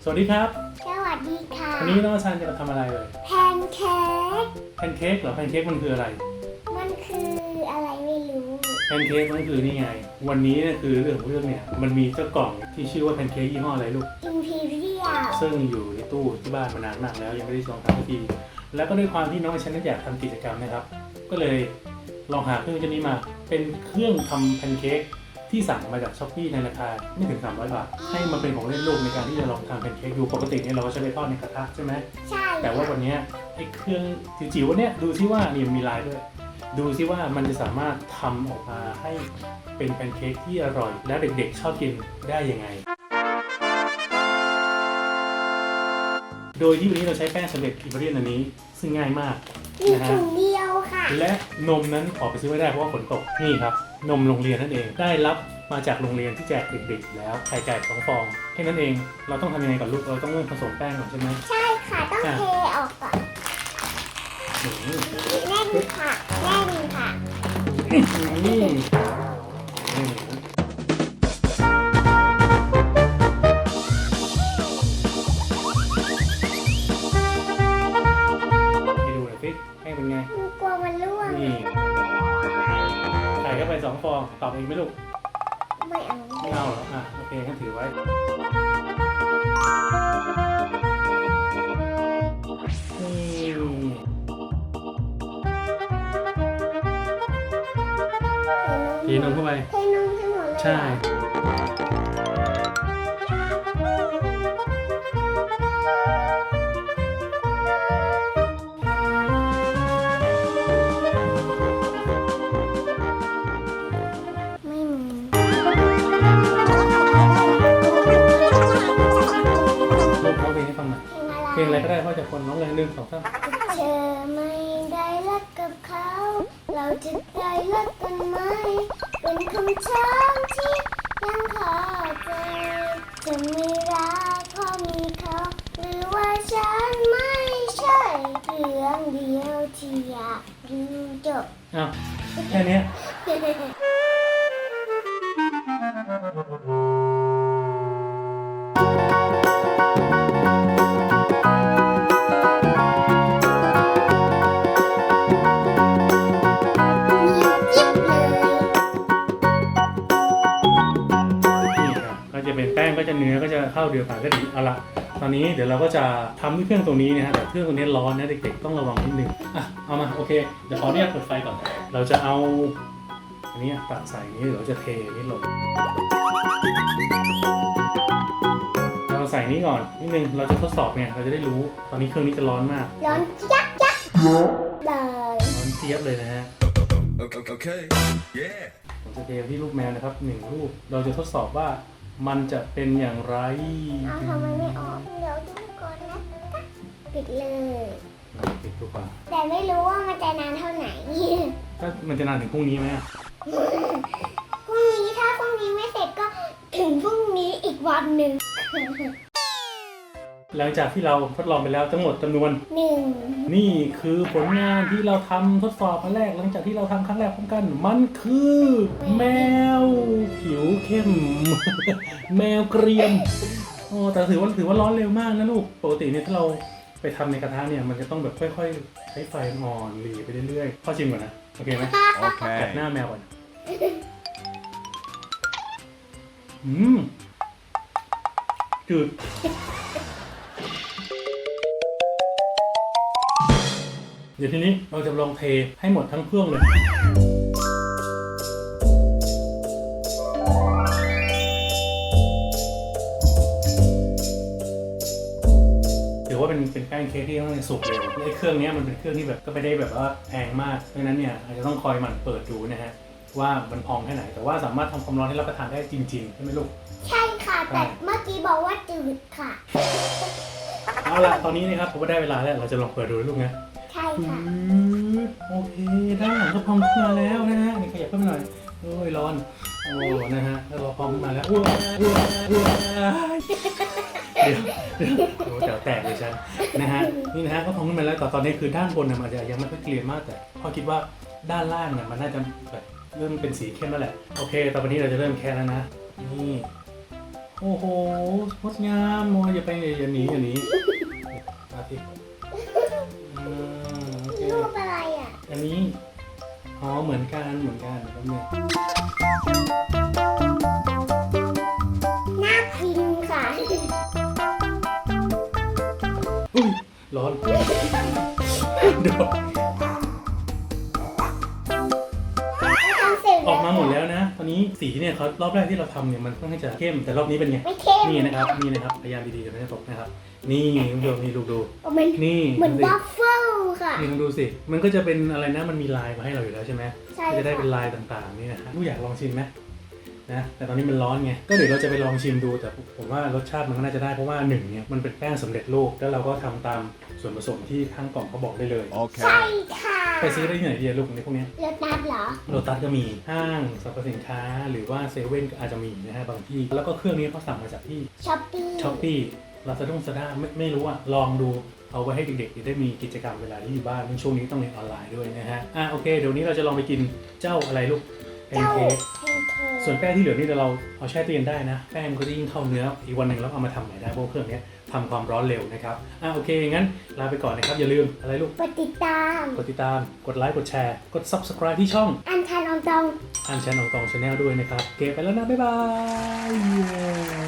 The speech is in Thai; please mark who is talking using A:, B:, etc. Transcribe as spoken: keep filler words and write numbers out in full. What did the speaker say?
A: สวัสดีครับ
B: สวัสดีค่ะ
A: วันนี้น้องชันจะมาทำอะไรเลย
B: แพนเค้ก
A: แพนเค้กเหรอแพนเค้กมันคืออะไร
B: มันคืออะไรไม่รู้
A: แพนเค้กมันคือนี่ไงวันนี้เนี่ยคือเรื่องของเรื่องเนี่ยมันมีเจ้ากล่องที่ชื่อว่าแพนเค้กยี่ห้ออะไรลูก
B: Imperial
A: ซึ่งอยู่ในตู้ที่บ้านมานานมากแล้วยังไม่ได้ลองทำสักทีแล้วก็ด้วยความที่น้องชันนั้นอยากทำกิจกรรมนะครับก็เลยลองหาเครื่องชนิดนี้มาเป็นเครื่องทำแพนเค้กที่สั่งมาจากช้อปปี้ในราคาไม่ถึงสามร้อยบาทให้มันเป็นของเล่นลูกในการที่จะลองทำแพนเค้กดูปกติเนี่ยเราก็ใช้ไปทอดในกระทะใช่ไหม
B: ใช่
A: แต่ว่าวันนี้ไอ้เครื่องจิ๋วๆวันนี้ดูซิว่านี่มีลายด้วยดูซิว่ามันจะสามารถทำออกมาให้เป็นแพนเค้กที่อร่อยและเด็กๆชอบกินได้ยังไงโดยที่วันนี้เราใช้แป้งสำเร็จอิตาเลียนอันนี้ซึ่งง่ายมาก
B: มี
A: นะฮะ
B: ถุงเดียวค่ะ
A: และนมนั้นออกไปซื้อไม่ได้เพราะว่าฝนตกนี่ครับนมโรงเรียนนั่นเองได้รับมาจากโรงเรียนที่แจกเด็กๆแล้วไข่ไก่สองฟองแค่นั้นเองเราต้องทำยังไงก่อนลูกเราต้องเริ่มผสมแป้งก่อนใช่ไหม
B: ใช่ค่ะต้องเทออกก่อนแน่นค่ะแน่นค่ะ
A: ให้เป็นไง
B: กลัวมันร่วง
A: นี่ใส่เข้าไปสองฟองตอบเองไหมลูก
B: ไม่เอา
A: ไม่เอาเหรออ่ะโอเคงั้นถือไว้เทนมเข้าไป
B: เทนมให้หมดเลย
A: ใช่เพลงอะไรก็ได้พ่อจะคนน้องเลยหนึ่งสองสาม
B: เธอไม่ได้รักกับเขาเราจะได้รักกันไหมเป็นคำถามที่ยังคาใจจะไม่รักเพราะมีเขาหรือว่าฉันไม่ใช่เรื่องเดียวที่อยากรู้จบ
A: อ้าวแค่นี้แป้งก็จะเนื้อก็จะเข้าเดียวกันก็ดีเอาละตอนนี้เดี๋ยวเราก็จะทำด้วยเครื่องตัวนี้นะฮะแต่เครื่องตัวนี้ร้อนนะเด็กๆต้องระวังนิดนึงอ่ะเอามาโอเคเดี๋ยวขอเนี่ยเปิดไฟก่อนเราจะเอาอันนี้ตักใส่นี้เดี๋ยวจะเทนี้ลงเราใส่นี้ก่อนนิดนึงเราจะทดสอบเนี่ยเราจะได้รู้ตอนนี้เครื่องนี้จะร้อนมาก
B: ร้อนยักยักเลย
A: ร้อนเจี๊ยบเลยนะฮะ
C: โอเคโอเคเย้
A: ผมจะเทที่ลูกแมวนะครับหนึ่งลูกเราจะทดสอบว่ามันจะเป็นอย่างไร
B: เอาทำไมไม่ออกเดี๋ยวดูก่อนนะปิดเลย
A: ปิดดูก่อน
B: แต่ไม่รู้ว่ามันจะนานเท่าไหร่
A: ก็มันจะนานถึงพรุ่งนี้ไหม
B: พรุ่งนี้ถ้าพรุ่งนี้ไม่เสร็จก็ถึงพรุ่งนี้อีกวันหนึ่ง
A: หลังจากที่เราทดลองไปแล้วทั้งหมดจำนวน
B: หนึ่ง
A: นี่คือผลงานที่เราทำทดสอบครั้งแรกหลังจากที่เราทำครั้งแรกพร้อมกันมันคือแมวผิวเข้มแมวเกรียมโอ้แต่ถือว่าถือว่าร้อนเร็วมากนะลูกปกติเนี่ยถ้าเราไปทำในกระทะเนี่ยมันจะต้องแบบค่อยๆใช้ไฟอ่อนหลีไปเรื่อยๆพ่อชิมก่อนนะโอเคไหมโอเคจัดหน้าแมวก่อนอืมจืดเดี๋ยวทีนี้เราจะลองเทให้หมดทั้งเครื่องเลยถือว่าเป็นเป็นแป้งเค้กที่ต้องสุกเลยไอ้เครื่องนี้มันเป็นเครื่องที่แบบก็ไม่ได้แบบว่าแพงมากเพราะฉะนั้นเนี่ยอาจจะต้องคอยหมั่นเปิดดูนะฮะว่ามันพองแค่ไหนแต่ว่าสามารถทำความร้อนให้รับประทานได้จริงๆใช่ไหมลูก
B: ใช่ค่ะแต่เมื่อกี้บอกว่าจืดค่ะ
A: เอาล่ะตอนนี้นะครับผมก็ได้เวลาแล้วเราจะลองเปิดดูลูกนะ
B: ใช่ค่ะ
A: โอเคด้านหลังก็พองขึ้นมาแล้วนะฮะนี่ขยับขึ้นมาหน่อยโอ้ยร้อนโอ้นะฮะแล้วเราพองขึ้นมาแล้วอ้วนอ้วนอ้วนเดี๋ยวโอ้เดี๋ยวแตกเลยฉันนะฮะนี่นะฮะก็พองขึ้นมาแล้วแต่ตอนนี้คือด้านบนเนี่ยมันจะยังไม่ค่อยเกลียมมากแต่พอคิดว่าด้านล่างเนี่ยมันน่าจะแบบเริ่มเป็นสีเข้มแล้วแหละโอเคตอนนี้เราจะเริ่มแค่แล้วนะนี่โโอ้โหงดงามโมอย่าไปอย่าหนีอย่าหนีมาสิอ่าโอเค
B: รูปอะไรอ่ะ
A: อันนี้อ๋อเหมือนกันเหมือนกันแป๊บนึง
B: น่ากินค่ะ
A: อุ้ยร้อนเดี๋ยว
B: ทำเสร็จ
A: ออกมาหมดแล้วนะ ตอนนี้สีเนี่ยเขารอบแรกที่เราทำเนี่ยมันค่อนข้างจะเข้มแต่รอบนี้เป็นไง
B: ไม่เข้ม
A: นี่นะครับนี่นะครับพยายามดีๆจะไม่ให้ตกนะครับ นี่คุณผู้ชมนี่ดูดู
B: เหมือน
A: นี่
B: เหมือน
A: ดูสิ
B: บัฟเฟิลค่ะ
A: นี่ลองดูสิมันก็จะเป็นอะไรนะมันมีลายมาให้เราอยู่แล้วใช่ไหม
B: ใช่
A: ก็จะได้
B: ค่ะ
A: เป็นลายต่างๆนี่นะฮะลูกอยากลองชิมไหมนะแต่ตอนนี้มันร้อนไงก็เดี๋ยวเราจะไปลองชิมดูแต่ผมว่ารสชาติมันก็น่าจะได้เพราะว่าหนึ่งเนี่ยมันเป็นแป้งสำเร็จรูปแล้วเราก็ทำตามส่วนผสมที่ข้างกล่องเขาบอกได้เลย
B: ใช่
C: Okay.
B: ค่ะ
A: ไปซื้อได้ที่ไหนดีอะลูกในพวกเนี้ย
B: เลือกนัดเหรอ
A: โลตัสก็มีห้างสรรพสินค้าหรือว่าเซเว่นก็อาจจะมีนะฮะบางที่แล้วก็เครื่องนี้เขาสั่งมาจากที่
B: ช้อปปี้
A: ช้อปปี้ลาซาด้งซาด้าไม่ไม่รู้อะลองดูเอาไว้ให้เด็กๆได้มีกิจกรรมเวลาที่อยู่บ้านในช่วงนี้ต้องเรียนออนไลน์ด้วยนะฮะอ่ะโอเคเดี๋ยวนี้เราจะลองไปกินเจ้าอะไรลูกแพน
B: เจ้า
A: เค้ก
B: แพนเค้ก
A: ส่วนแป้งที่เหลือนี่เราเอาแช่ตู้เย็นได้นะแป้งมันก็จะยิ่งเข้าเนื้ออีกวันหนึ่งเราเอามาทำใหม่ได้เพราะเครื่องนี้ทำความร้อนเร็วนะครับอ่ะโอเคงั้นลาไปก่อนนะครับอย่าลืมอะไรลูก
B: กดติดตาม
A: กดติดตามกดไลค์กดแชร์กด ซับสไครบ์ ที่ช่อง
B: อันทานอองตอง
A: อันแชนของตองชาแนลด้วยนะครับโอเคไปแล้วนะบ๊ายบาย